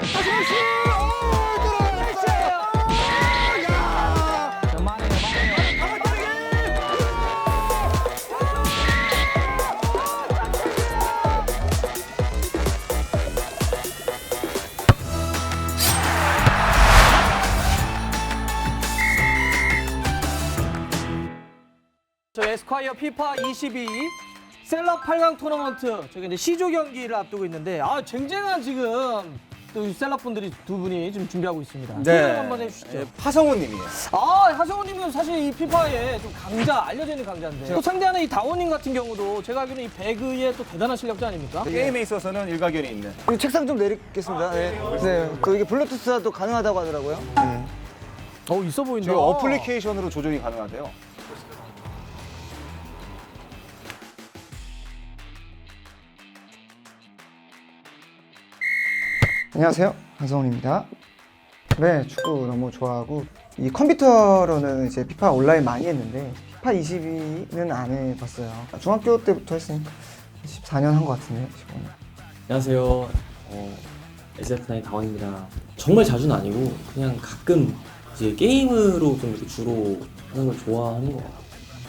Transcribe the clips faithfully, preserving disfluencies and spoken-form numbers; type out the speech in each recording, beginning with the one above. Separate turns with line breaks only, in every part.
다시 메시. 오, 들어갔어요. 야. 자, 많아요, 많아요. 저 에스콰이어 피파 이십이 셀럽 팔 강 토너먼트 저기 이제 C조 경기를 앞두고 있는데 아 쟁쟁한 지금 또 셀럽 분들이 두 분이 지금 준비하고 있습니다. 소개 한번 해주시죠.
네, 하성우님이에요.
아 하성우님은 사실 이 피파에 좀 강자 알려져 있는 강자인데 또 상대하는 이 다원님 같은 경우도 제가 알기로는 이 배그의 또 대단한 실력자 아닙니까?
게임에 있어서는 일가견이 있는.
이 책상 좀 내리겠습니다. 네. 네. 또 이게 블루투스가 또 가능하다고 하더라고요. 네.
어 있어 보인다.
저희 어플리케이션으로 조정이 가능하대요.
안녕하세요. 한성훈입니다. 네, 축구 너무 좋아하고 이 컴퓨터로는 이제 피파 온라인 많이 했는데 피파 이십이는 안 해봤어요. 중학교 때부터 했으니까 십사 년 한 것 같은데, 십오 년.
안녕하세요. 어, 에스에프나인 다원입니다. 정말 자주는 아니고 그냥 가끔 이제 게임으로 좀 이렇게 주로 하는 걸 좋아하는 것 같아요.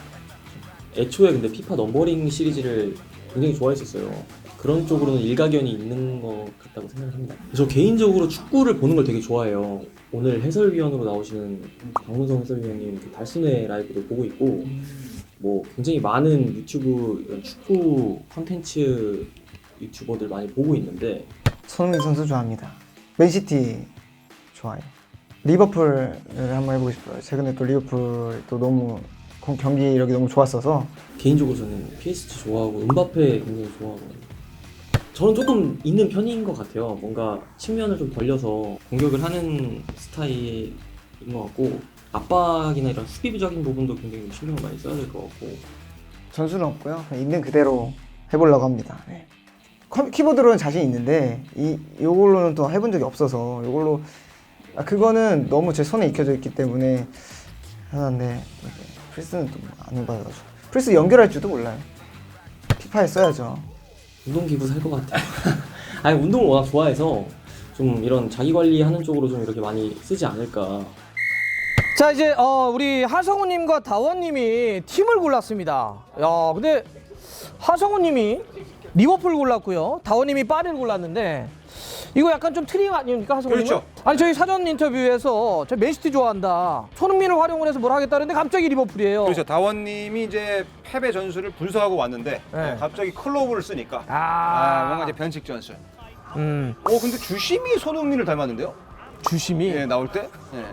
애초에 근데 피파 넘버링 시리즈를 굉장히 좋아했었어요. 그런 쪽으로는 일가견이 있는 것 같다고 생각합니다. 저 개인적으로 축구를 보는 걸 되게 좋아해요. 오늘 해설위원으로 나오시는 박문성 해설위원님 그 달순의 라이브도 보고 있고 뭐 굉장히 많은 유튜브 이런 축구 콘텐츠 유튜버들 많이 보고 있는데
손흥민 선수 좋아합니다. 맨시티 좋아해요. 리버풀을 한번 해보고 싶어요. 최근에 또 리버풀 또 너무 경기력이 너무 좋았어서
개인적으로 저는 피에스지 좋아하고 음바페 굉장히 좋아하거든요. 저는 조금 있는 편인 것 같아요. 뭔가 측면을 좀 벌려서 공격을 하는 스타일인 것 같고 압박이나 이런 수비적인 부분도 굉장히 신경을 많이 써야 될 것 같고
전술은 없고요. 그냥 있는 그대로 해보려고 합니다. 네. 컴- 키보드로는 자신 있는데 이 요걸로는 또 해본 적이 없어서 요걸로 아, 그거는 너무 제 손에 익혀져 있기 때문에 하는데 프리스는 또 안 해봐가지고 프리스 연결할 줄도 몰라요. 피파에 써야죠.
운동기구 살 것 같아요. 아니 운동을 워낙 좋아해서 좀 이런 자기 관리하는 쪽으로 좀 이렇게 많이 쓰지 않을까.
자 이제 어, 우리 하성우님과 다원님이 팀을 골랐습니다. 야 근데 하성우님이 리버풀 골랐고요. 다원님이 파리를 골랐는데 이거 약간 좀 트릭 아닙니까 하성우님?
그렇죠.
아니 저희 사전 인터뷰에서 저 맨시티 좋아한다. 손흥민을 활용을 해서 뭘 하겠다는데 갑자기 리버풀이에요.
그렇죠. 다원님이 이제 패배 전술을 분석하고 왔는데
네.
갑자기 클로브를 쓰니까
아,
아, 뭔가 이제 변칙 전술.
음
오 근데 주심이 손흥민을 닮았는데요?
주심이.
예 나올 때. 예.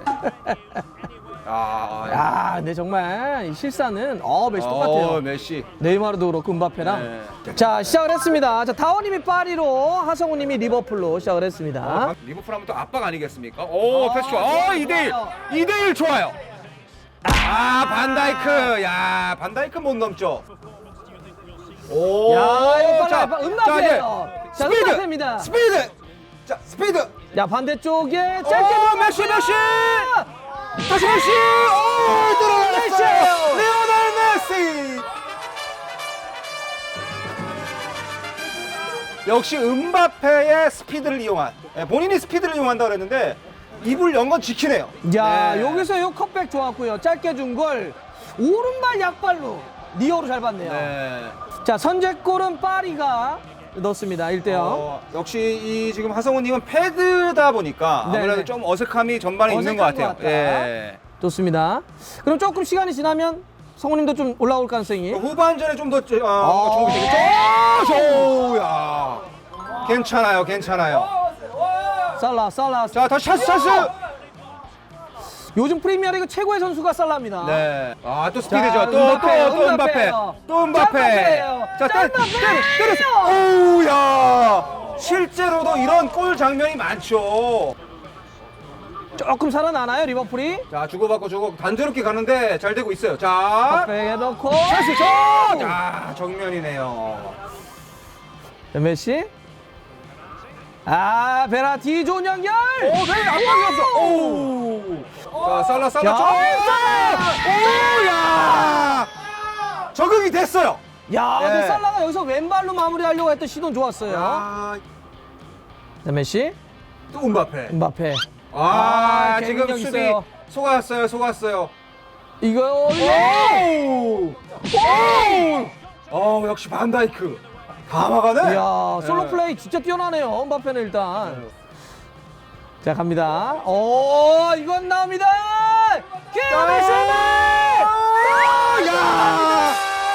아,
야, 근데 정말 이 실사는 어 메시 똑같아요.
어, 메시.
네이마르도 그렇고 음바페랑.
네.
자 시작을 했습니다. 자 다원님이 파리로 하성우님이 리버풀로 시작을 했습니다.
아, 리버풀 하면 또 압박 아니겠습니까? 오,
아,
패스 좋아.
좋아요,
어, 이 대 일.
좋아요.
이 대 일 좋아요. 아, 반다이크. 야, 반다이크 못 넘죠. 오.
야, 이거
자,
빨라. 음바페예요.
자,
자,
이제 스피드.
음바페입니다.
스피드. 자, 스피드.
야 반대쪽에 짧게
오, 메시, 메시. 다시 메시. 오, 들어갔어요. 리오넬 메시. 역시 음바페의 스피드를 이용한. 예, 본인이 스피드를 이용한다 그랬는데 입을 연 건 지키네요.
야
네.
여기서 요 컵백 좋았고요. 짧게 준 걸 오른발 약발로 니어로 잘 봤네요.
네.
자 선제골은 파리가 넣습니다. 일 대 영.
어, 역시 이 지금 하성우님은 패드다 보니까
네네.
아무래도 좀 어색함이 전반에 있는 것
어색한
같아요.
것 같다.
예.
좋습니다. 그럼 조금 시간이 지나면 성우님도 좀 올라올 가능성이.
후반전에 좀 더 어, 뭔가 좋은 게 되겠죠? 오, 야. 괜찮아요, 괜찮아요.
살라 살라.
자, 다시 찬스, 찬스.
요즘 프리미어리그 최고의 선수가 살라입니다.
네. 아, 또 스피드죠.
자,
또, 또,
음바페,
또 음바페.
음바페예요.
또 음바페.
짬바페예요.
자, 때려,
짬바페예요.
때려, 때렸어. 오우, 야. 실제로도 이런 골 장면이 많죠.
조금 살아나나요 리버풀이?
자, 주고받고 주고 단조롭게 가는데 잘 되고 있어요. 자,
백에 넣고.
찬스, 저. 자, 정면이네요.
자, 메시. 아 베라티 좋은 연결.
오, 네, 압박이 없어. 오. 자, 살라, 살라.
야,
저. 오, 야. 적응이 됐어요.
야, 근데
예.
살라가 여기서 왼발로 마무리하려고 했던 시도는 좋았어요.
야.
자, 메시.
또 음바페.
음바페.
아,
아,
지금
개인력
수비
있어요.
속았어요, 속았어요.
이거
오! 오! 어, 역시 반다이크. 다 막아내.
이야, 솔로
네.
플레이 진짜 뛰어나네요. 음바페는 일단. 자, 갑니다. 오, 이건 나옵니다. 기아메시!
야!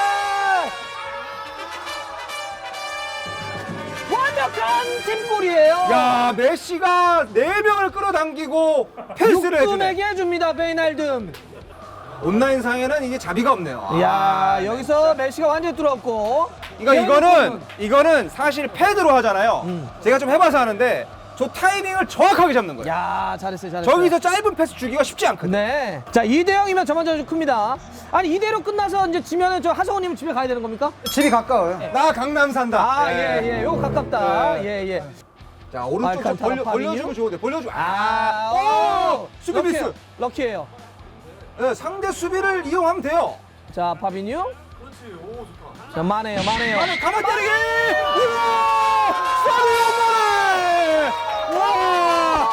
완벽한 팀골이에요.
야, 메시가 네 명을 끌어당기고 패스를 해주네.
육군에게 해줍니다, 베이날듬.
온라인 상에는 이게 자비가 없네요. 아,
이야,
네.
여기서 메시가 완전히 뚫었고.
이거 이거는 이거는 사실 패드로 하잖아요.
음.
제가 좀 해봐서 하는데 저 타이밍을 정확하게 잡는 거예요.
야, 잘했어요, 잘했어요.
저기서 짧은 패스 주기가 쉽지 않거든요.
네. 자, 이 대 영이면 저만저 좀 큽니다. 아니, 이 대로 끝나서 이제 지면은 저 하성우님은 집에 가야 되는 겁니까?
집이 가까워요.
나 강남 산다.
아, 예, 예. 요거 가깝다.
네.
예, 예.
자, 오른쪽 좀
알칸타라,
벌려,
파비뉴?
벌려주면 좋은데 벌려주.
아,
아,
오!
오! 수비 미스.
럭키예요. 럭키예요.
네, 상대 수비를 이용하면 돼요.
자, 파비뉴. 자, 마네요, 마네요.
아니, 가만 때리기! 우와! 사디오 마네! 와!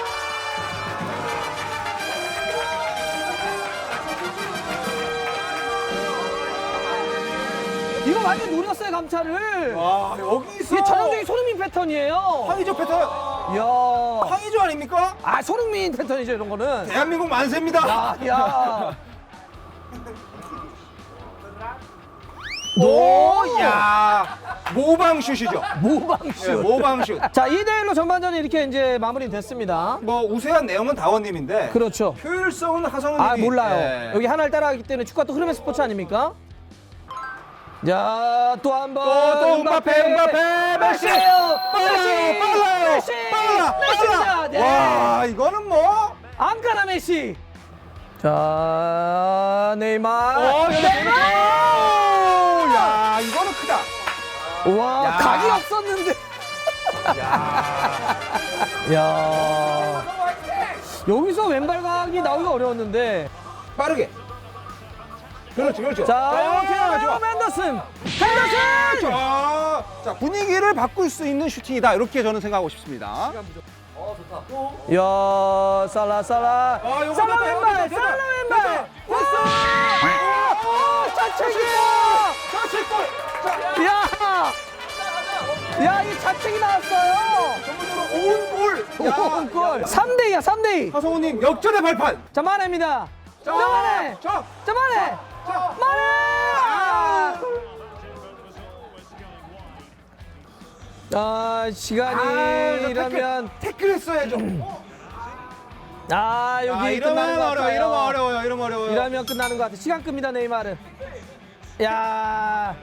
이거 완전 노렸어요, 감차를.
와, 여기서
이게 전형적인 손흥민 패턴이에요.
황의조 패턴.
이야.
황의조 아닙니까?
아, 손흥민 패턴이죠, 이런 거는.
대한민국 만세입니다.
야, 야.
오, 야, 모방슛이죠.
모방슛.
네, 모방슛.
자, 이 대 일로 전반전이 이렇게 이제 마무리됐습니다.
뭐 우세한 내용은 다원님인데
그렇죠.
효율성은 하성우님이.
아, 몰라요.
예.
여기 하나를 따라가기 때문에 축구가 또 흐름의 스포츠 아닙니까? 자, 또 한 번.
또, 또 음바페, 음바페, 메시!
메시예요.
빨라요, 빨라요,
메시!
빨라,
메시입니다.
빨라.
네.
와, 이거는 뭐?
앙카나 메시. 자, 네이마르.
어, 여기
네이마르.
오, 야, 이거는 크다.
와,
야.
각이 없었는데.
야,
야. 여기서 왼발 각이 나오기가 어려웠는데.
빠르게. 그렇지, 그렇죠.
자,
좋아,
이렇게
좋아.
맨더슨. 핸더슨.
자, 자, 분위기를 바꿀 수 있는 슈팅이다. 이렇게 저는 생각하고 싶습니다.
야, 살라 살라.
아, 요거
살라
됐다, 요거
왼발.
됐다,
살라 왼발.
됐다.
와! 자책이야.
자책골.
야! 야, 이 자책이 나왔어요.
전문으로 온 골.
골. 삼 대 이야, 삼 대 이.
하성우님 역전의 발판.
자, 만해입니다. 자, 만해.
자,
자, 만해.
자.
만해. 아, 아 시간이
아, 이거
이러면
태클, 태클 했어야죠.
아, 여기
아, 이러면
끝나는 것
어려워,
같아요.
이러면 어려워요, 이러면 어려워요.
이러면 끝나는 것 같아. 시간 끕니다, 네이마르. 야.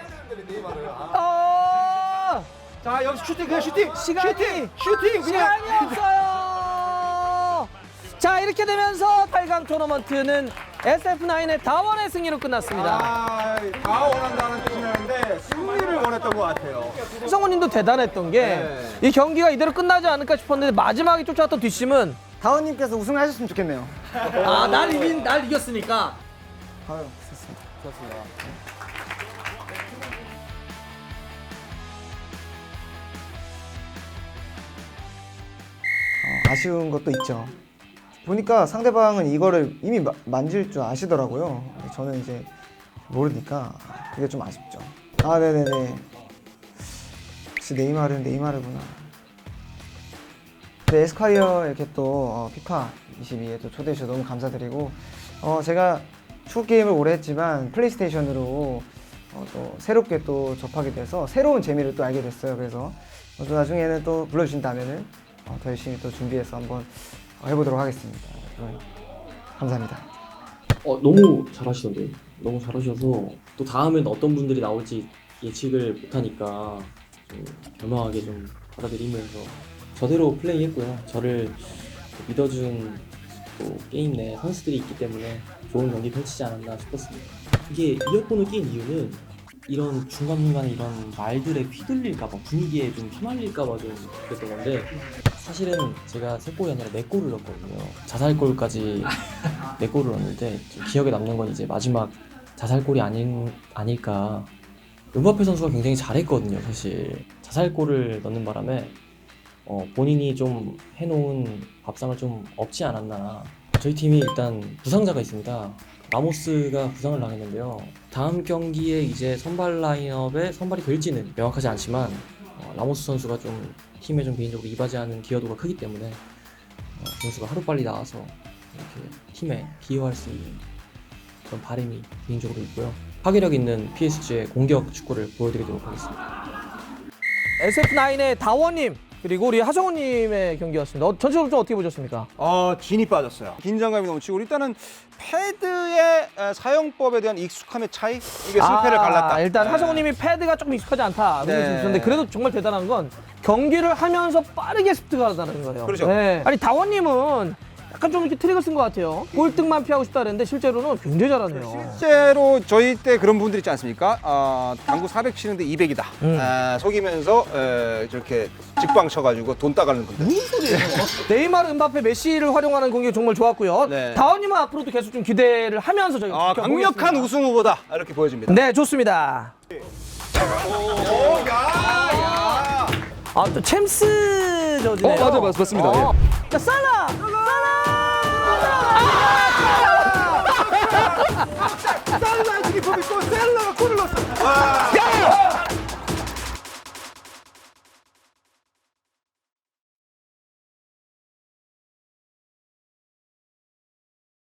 어.
자, 여기서 슈팅, 그냥 슈팅.
시간이-
슈팅, 슈팅, 그냥.
시간이 없어요. 자, 이렇게 되면서 팔 강 토너먼트는 에스에프나인의 다원의 승리로 끝났습니다.
아, 다 원한다는 뜻이었는데 승리를 원했던 것 같아요.
성우님도 대단했던 게 이
네.
경기가 이대로 끝나지 않을까 싶었는데 마지막에 쫓아왔던 뒷심은
다원님께서 우승을 하셨으면 좋겠네요.
아, 날 이긴 날 이겼으니까.
아유, 좋습니다. 좋습니다. 어, 아쉬운 것도 있죠. 보니까 상대방은 이거를 이미 마- 만질 줄 아시더라고요. 저는 이제 모르니까 그게 좀 아쉽죠. 아, 네네네. 역시 네이마르는 네이마르구나. 네, 에스콰이어 이렇게 또 어, 피파 이십이에 또 초대해 주셔서 너무 감사드리고, 어, 제가 축구 게임을 오래 했지만 플레이스테이션으로 어, 또 새롭게 또 접하게 돼서 새로운 재미를 또 알게 됐어요. 그래서 어, 또 나중에는 또 불러주신다면은 어, 더 열심히 또 준비해서 한번 어, 해보도록 하겠습니다. 네, 감사합니다.
어, 너무 잘하시던데요. 너무 잘하셔서 또 다음엔 어떤 분들이 나올지 예측을 못하니까 좀 겸허하게 좀 받아들이면서 저대로 플레이했고요. 저를 믿어준 또 게임 내 선수들이 있기 때문에 좋은 경기 펼치지 않았나 싶었습니다. 이게 이어폰을 낀 이유는 이런 중간중간에 이런 말들에 휘둘릴까봐 분위기에 좀 휘말릴까봐 좀 그랬던 건데 사실은 제가 세 골이 아니라 네 골을 넣었거든요. 자살골까지 네 골을 넣었는데 좀 기억에 남는 건 이제 마지막 자살골이 아닌, 아닐까. 음바페 선수가 굉장히 잘했거든요. 사실 자살골을 넣는 바람에 어, 본인이 좀 해놓은 밥상을 좀 없지 않았나. 저희 팀이 일단 부상자가 있습니다. 라모스가 부상을 당했는데요. 다음 경기에 이제 선발 라인업에 선발이 될지는 명확하지 않지만 어, 라모스 선수가 좀 팀에 좀 개인적으로 이바지하는 기여도가 크기 때문에 어, 그 선수가 하루빨리 나와서 이렇게 팀에 기여할 수 있는 그런 바람이 개인적으로 있고요. 파괴력 있는 피에스지의 공격 축구를 보여드리도록 하겠습니다.
에스에프나인의 다원님 그리고 우리 하성우님의 경기였습니다. 어, 전체적으로 좀 어떻게 보셨습니까?
어, 진이 빠졌어요. 긴장감이 넘치고 일단은 패드의 에, 사용법에 대한 익숙함의 차이? 이게 승패를
아,
갈랐다.
일단
네.
하성우님이 패드가 조금 익숙하지 않다. 그런
네.
말씀 주셨는데 그래도 정말 대단한 건 경기를 하면서 빠르게 습득을 하다는 거예요.
그렇죠.
네. 아니 다원님은 약간 좀 이렇게 트릭을 쓴 것 같아요. 꼴등만 피하고 싶다 그랬는데 실제로는 굉장히 잘하네요.
실제로 저희 때 그런 분들 있지 않습니까? 아, 당구 사백 치는데 이백이다.
음.
아, 속이면서 에, 저렇게 직방 쳐가지고 돈 따가는 분들.
네이마르, 음바페, 메시를 활용하는 공격이 정말 좋았고요.
네.
다원님은 앞으로도 계속 좀 기대를 하면서 저희가
아,
지켜보겠습니다.
강력한 우승 후보다 이렇게 보여집니다.
네, 좋습니다.
오, 야, 야.
아, 또 챔스 저지네요.
어, 맞아요, 맞- 맞습니다.
어. 자, 살라!
살라 지금 보고 있고 셀러가 골을 넣었어. 와.